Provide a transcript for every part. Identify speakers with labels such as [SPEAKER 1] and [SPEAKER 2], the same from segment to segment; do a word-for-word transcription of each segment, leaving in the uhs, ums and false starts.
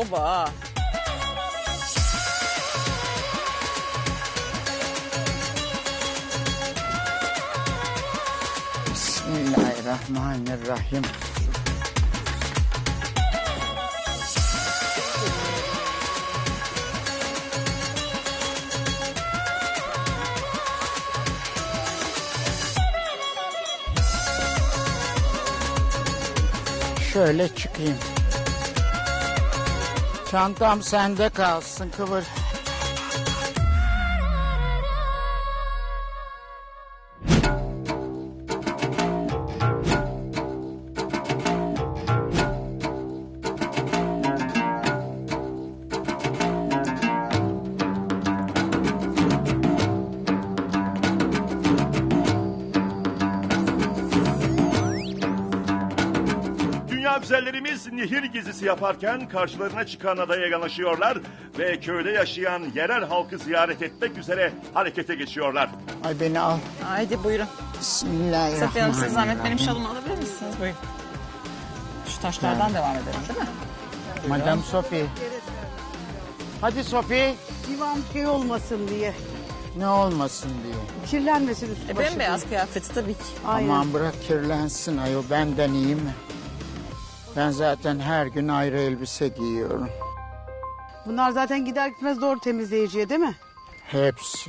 [SPEAKER 1] baba ha.
[SPEAKER 2] Bismillahirrahmanirrahim. Şöyle çıkayım. Çantam sende kalsın Kıvır.
[SPEAKER 3] Güzellerimiz nehir gezisi yaparken karşılarına çıkan adaya yanaşıyorlar ve köyde yaşayan yerel halkı ziyaret etmek üzere harekete geçiyorlar.
[SPEAKER 2] Ay beni al.
[SPEAKER 1] Haydi buyurun.
[SPEAKER 2] Bismillahirrahmanirrahim.
[SPEAKER 1] Safiye Hanım siz zahmet benim şalımı alabilir misiniz? Buyurun. Şu taşlardan devam edelim değil mi?
[SPEAKER 2] Madam Sophie. Hadi Sophie.
[SPEAKER 4] Divan şey olmasın diye.
[SPEAKER 2] Ne olmasın diye.
[SPEAKER 4] Kirlenmesin üstü
[SPEAKER 1] E,
[SPEAKER 4] başı.
[SPEAKER 1] bembeyaz kıyafeti tabii ki.
[SPEAKER 4] Aynen.
[SPEAKER 2] Aman bırak kirlensin ayol, benden iyi mi? Ben zaten her gün ayrı elbise giyiyorum.
[SPEAKER 4] Bunlar zaten gider gitmez doğru temizleyiciye değil mi?
[SPEAKER 2] Hepsi.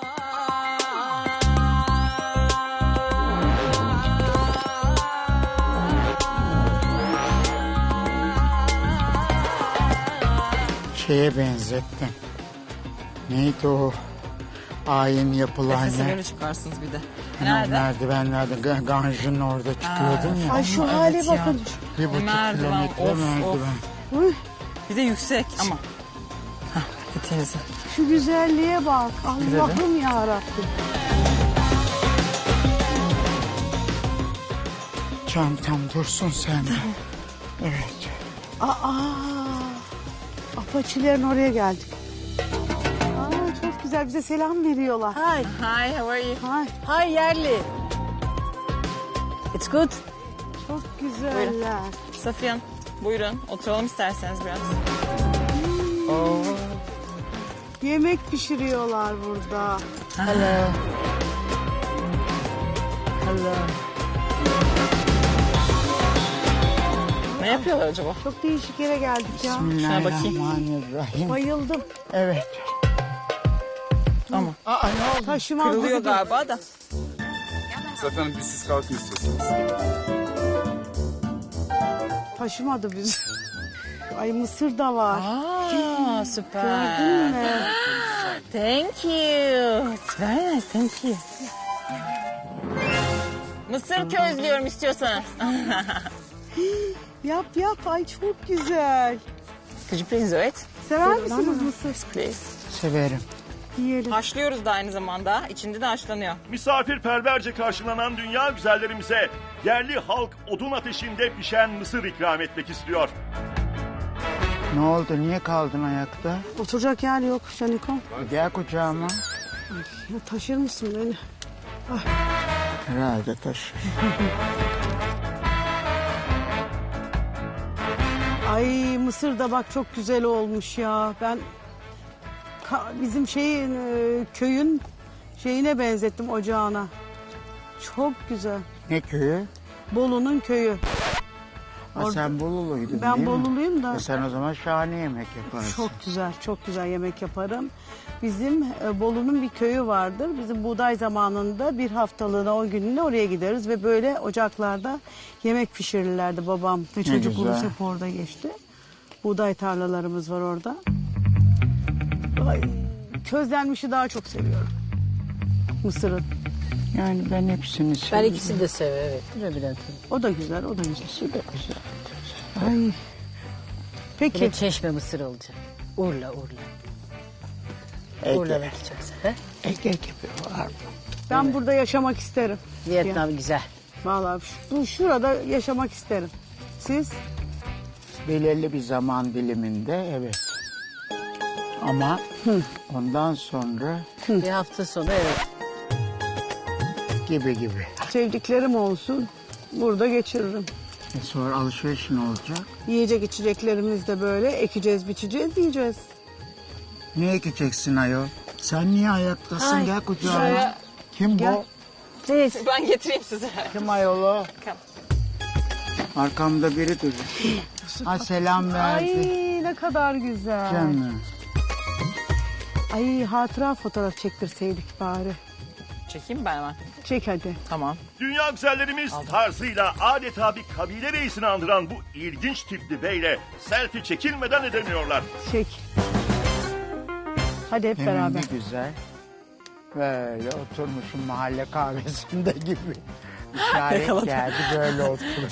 [SPEAKER 2] Şeye benzettim. Neydi o? Ayin yapılan
[SPEAKER 1] Nefesi
[SPEAKER 2] yer.
[SPEAKER 1] böyle çıkarsınız bir de.
[SPEAKER 2] Hani o
[SPEAKER 1] Nerede?
[SPEAKER 2] merdivenlerde Ga- Ganj'ın orada çıkıyordun ya.
[SPEAKER 4] Ay şu
[SPEAKER 1] Evet
[SPEAKER 4] hale
[SPEAKER 1] ya.
[SPEAKER 4] bakın.
[SPEAKER 2] Bir buçuk
[SPEAKER 1] Merdiven,
[SPEAKER 2] kilometre
[SPEAKER 1] of,
[SPEAKER 2] merdiven.
[SPEAKER 4] Uy,
[SPEAKER 1] Bir de yüksek ama. Hah, bir teyze.
[SPEAKER 4] şu güzelliğe bak. Allah'ım ya Rabbim.
[SPEAKER 2] Çantam dursun sende. Evet.
[SPEAKER 4] Aa, apaçilerin oraya geldik. Aa, çok güzel, bize selam veriyorlar.
[SPEAKER 5] Hi.
[SPEAKER 1] Hi, how are you?
[SPEAKER 4] Ay,
[SPEAKER 5] Hi, yerli. It's good.
[SPEAKER 4] çok güzeller.
[SPEAKER 1] Safiye Hanım, buyurun. Oturalım isterseniz biraz.
[SPEAKER 4] Yemek pişiriyorlar burada.
[SPEAKER 2] Hello.
[SPEAKER 5] Hello.
[SPEAKER 1] Ne yapıyorlar acaba?
[SPEAKER 4] Çok değişik yere geldik ya.
[SPEAKER 2] Bismillahirrahmanirrahim.
[SPEAKER 4] Bayıldım.
[SPEAKER 2] Evet.
[SPEAKER 1] Ama
[SPEAKER 2] Aa ne oldu?
[SPEAKER 4] Taşıma
[SPEAKER 1] kırılıyor galiba da.
[SPEAKER 6] Zaten biz siz kalkın istiyorsunuz.
[SPEAKER 4] Taşımadı bizi. Ay mısır da var.
[SPEAKER 1] Aa, süper.
[SPEAKER 4] Gördün mü?
[SPEAKER 1] Thank you. It's very nice, thank you. Mısır közlüyorum istiyorsanız.
[SPEAKER 4] Yap yap, ay çok güzel.
[SPEAKER 1] Could you please do it?
[SPEAKER 4] Sever misiniz mısır?
[SPEAKER 1] Please.
[SPEAKER 2] Severim.
[SPEAKER 4] Yiyelim.
[SPEAKER 1] Haşlıyoruz da aynı zamanda. İçinde de haşlanıyor.
[SPEAKER 3] Misafirperverce karşılanan dünya güzellerimize yerli halk odun ateşinde pişen mısır ikram etmek istiyor.
[SPEAKER 2] Ne oldu? Niye kaldın ayakta?
[SPEAKER 4] Oturacak yer yok Şaniko.
[SPEAKER 2] Gel kucağıma.
[SPEAKER 4] Ya taşır mısın beni?
[SPEAKER 2] Herhalde taşı.
[SPEAKER 4] Ay mısır da bak çok güzel olmuş ya. Ben ka- bizim şeyin e, köyün şeyine benzettim, ocağına. Çok güzel.
[SPEAKER 2] Ne köyü?
[SPEAKER 4] Bolu'nun köyü.
[SPEAKER 2] Ha,
[SPEAKER 4] Orada-
[SPEAKER 2] sen Boluluydun
[SPEAKER 4] Ben
[SPEAKER 2] değil mi?
[SPEAKER 4] Boluluyum da.
[SPEAKER 2] E sen o zaman şahane yemek yaparsın.
[SPEAKER 4] Çok güzel, çok güzel yemek yaparım. Bizim e, Bolu'nun bir köyü vardır. Bizim buğday zamanında bir haftalığına, on günlüğüne oraya gideriz ve böyle ocaklarda yemek pişirirlerdi babam. Ve çocukluğumuz
[SPEAKER 2] güzel.
[SPEAKER 4] hep orada geçti. Buğday tarlalarımız var orada. Ay, közlenmişi daha çok seviyorum. Mısırın.
[SPEAKER 2] Yani ben hepsini
[SPEAKER 5] Ben
[SPEAKER 2] seviyorum.
[SPEAKER 5] ikisini de severim, evet. Değil mi Bülent Hanım?
[SPEAKER 4] O da güzel, o da güzel.
[SPEAKER 2] İkisi de güzel.
[SPEAKER 4] Ay.
[SPEAKER 5] Bir
[SPEAKER 4] Peki.
[SPEAKER 5] de çeşme mısır olacak. Urla, Urla.
[SPEAKER 2] Ege.
[SPEAKER 5] Urla'daki çok güzel. He?
[SPEAKER 2] Ege gibi var mı?
[SPEAKER 4] Ben burada yaşamak isterim.
[SPEAKER 5] Vietnam güzel.
[SPEAKER 4] Vallahi şu- bu şurada yaşamak isterim. Siz?
[SPEAKER 2] Belirli bir zaman diliminde evet. Ama ondan sonra
[SPEAKER 5] Bir hafta sonu evet.
[SPEAKER 2] gibi gibi.
[SPEAKER 4] Sevdiklerim olsun. Burada geçiririm.
[SPEAKER 2] E sonra alışveriş ne olacak?
[SPEAKER 4] Yiyecek içeceklerimiz de böyle ekeceğiz, biçeceğiz, yiyeceğiz.
[SPEAKER 2] Ne ekeceksin ayol? Sen niye ayaktasın?
[SPEAKER 1] Ay,
[SPEAKER 2] Gel kucağıma.
[SPEAKER 1] şuraya-
[SPEAKER 2] Kim bu?
[SPEAKER 4] Siz.
[SPEAKER 1] Ben getireyim size.
[SPEAKER 2] Kim ayol o?
[SPEAKER 1] Kim?
[SPEAKER 2] Arkamda biri duruyor. Ha selam
[SPEAKER 4] Ay
[SPEAKER 2] verdi.
[SPEAKER 4] ne kadar güzel.
[SPEAKER 2] Canım.
[SPEAKER 4] Ay hatıra fotoğraf çektirseydik bari.
[SPEAKER 1] Çekeyim ben hemen.
[SPEAKER 4] Çek hadi.
[SPEAKER 1] Tamam.
[SPEAKER 3] Dünya güzellerimiz tarzıyla adeta bir kabile reisini andıran bu ilginç tipli beyle selfie çekilmeden edemiyorlar.
[SPEAKER 4] Çek. Hadi hep
[SPEAKER 2] Emin
[SPEAKER 4] beraber.
[SPEAKER 2] ne güzel. Böyle oturmuşum mahalle kahvesinde gibi. İşaret
[SPEAKER 1] Yakaladım.
[SPEAKER 2] geldi böyle otur.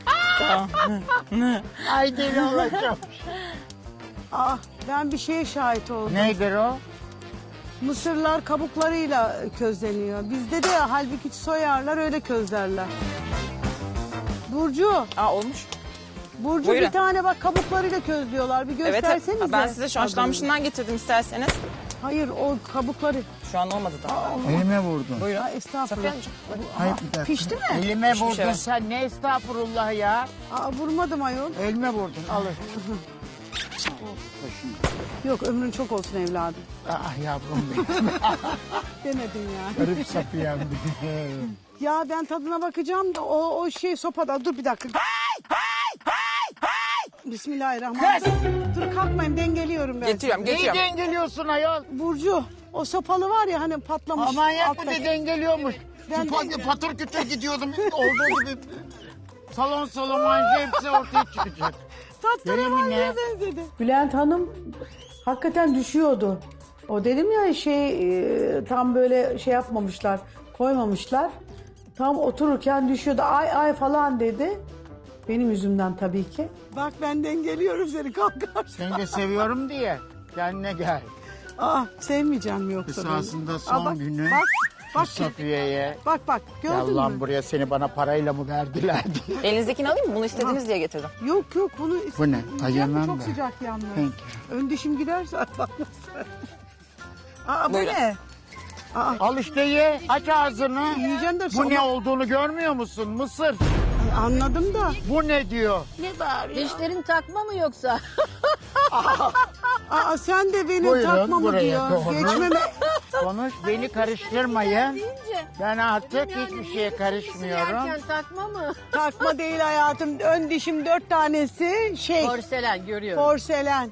[SPEAKER 2] Ay deli olacağım.
[SPEAKER 4] Ah ben bir şeye şahit oldum.
[SPEAKER 2] Nedir o?
[SPEAKER 4] Mısırlar kabuklarıyla közleniyor. Bizde de halbuki soyarlar öyle közlerler. Burcu,
[SPEAKER 1] Aa olmuş.
[SPEAKER 4] Burcu
[SPEAKER 1] Buyurun.
[SPEAKER 4] bir tane bak kabuklarıyla közlüyorlar. Bir
[SPEAKER 1] Evet.
[SPEAKER 4] göstersenize.
[SPEAKER 1] Ben size şu haşlanmışından getirdim isterseniz.
[SPEAKER 4] Hayır o kabukları.
[SPEAKER 1] Şu an olmadı da.
[SPEAKER 2] Elime vurdun.
[SPEAKER 1] Buyurun.
[SPEAKER 4] Aa, estağfurullah.
[SPEAKER 1] Safiye Hanımcığım.
[SPEAKER 2] Hayır bir dakika.
[SPEAKER 4] Pişti mi?
[SPEAKER 2] Elime
[SPEAKER 1] Pişmiş,
[SPEAKER 2] vurdun
[SPEAKER 1] evet.
[SPEAKER 2] sen ne estağfurullah ya.
[SPEAKER 4] Aa, vurmadım ayol.
[SPEAKER 2] Elime vurdun alın.
[SPEAKER 4] Yok ömrün çok olsun evladım.
[SPEAKER 2] Ah yavrum benim.
[SPEAKER 4] Demedin ya.
[SPEAKER 2] Garip sapıyam benim.
[SPEAKER 4] Ya ben tadına bakacağım da o, o şey sopada. Dur bir dakika. Bismillahirrahmanirrahim. Dur kalkmayın dengeliyorum ben.
[SPEAKER 1] Getiriyorum,
[SPEAKER 2] Neyi
[SPEAKER 1] getiriyorum.
[SPEAKER 2] dengeliyorsun ayol?
[SPEAKER 4] Burcu o sopalı var ya hani patlamış.
[SPEAKER 2] Aman yak bir
[SPEAKER 4] alttaki.
[SPEAKER 2] de dengeliyormuş.
[SPEAKER 4] Ben
[SPEAKER 2] Şu pat-
[SPEAKER 4] de-
[SPEAKER 2] patır kütür gidiyordum. Olduğu gibi salon salon hepsi ortaya çıkacak.
[SPEAKER 4] Tatlına
[SPEAKER 2] ne?
[SPEAKER 4] benzedi. Bülent Hanım hakikaten düşüyordu. O dedim ya şey e, tam böyle şey yapmamışlar, koymamışlar. Tam otururken düşüyordu. Ay ay falan dedi. Benim yüzümden tabii ki. Bak ben dengeliyorum seni kalkarsın.
[SPEAKER 2] Seni de seviyorum diye kendine gel.
[SPEAKER 4] Aa sevmeyeceğim mi yoksa? beni?
[SPEAKER 2] Esasında son
[SPEAKER 4] Aa, bak,
[SPEAKER 2] günü
[SPEAKER 4] Bak bak
[SPEAKER 2] Safiye'ye.
[SPEAKER 4] bak bak gördün
[SPEAKER 2] Gel lan
[SPEAKER 4] mü?
[SPEAKER 2] buraya seni bana parayla mı verdiler diye.
[SPEAKER 1] Elinizdekini alayım mı? Bunu istediniz diye getirdim.
[SPEAKER 4] Yok yok bunu
[SPEAKER 2] Bu ne?
[SPEAKER 4] Yiyecek
[SPEAKER 2] Ay,
[SPEAKER 4] mi?
[SPEAKER 2] yemem
[SPEAKER 4] Çok
[SPEAKER 2] ben.
[SPEAKER 4] sıcak yalnız.
[SPEAKER 2] Thank
[SPEAKER 4] Ön dişim giderse bakmasın. Aa bu
[SPEAKER 1] Buyurun.
[SPEAKER 4] ne? Aa
[SPEAKER 2] Al işte ye. Aç ağzını.
[SPEAKER 4] yiyeceğim de
[SPEAKER 2] Bu
[SPEAKER 4] sonra-
[SPEAKER 2] ne olduğunu görmüyor musun? Mısır.
[SPEAKER 4] Ay, anladım da.
[SPEAKER 2] Bu ne diyor?
[SPEAKER 5] Dişlerin takma mı yoksa?
[SPEAKER 4] Aa sen de benim
[SPEAKER 2] Buyurun,
[SPEAKER 4] takmamı
[SPEAKER 2] buraya
[SPEAKER 4] diyor.
[SPEAKER 2] doğru.
[SPEAKER 4] Geçmeme.
[SPEAKER 2] Konuş beni karıştırmayın. Ben artık hiçbir şeye karışmıyorum.
[SPEAKER 5] Yerken takma mı?
[SPEAKER 4] Takma değil hayatım. Ön dişim dört tanesi şey
[SPEAKER 5] Porselen görüyorum.
[SPEAKER 4] porselen.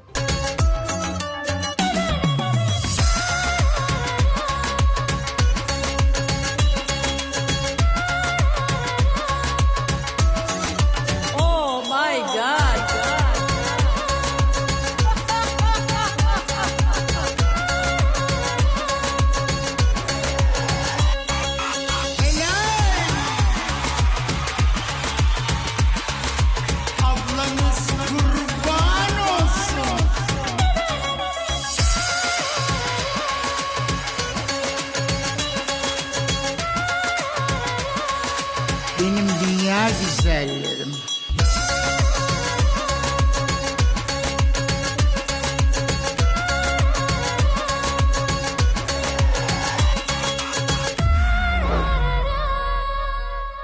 [SPEAKER 5] Oh my god.
[SPEAKER 2] Ablanız kurban olsun. Benim dünya güzelleri.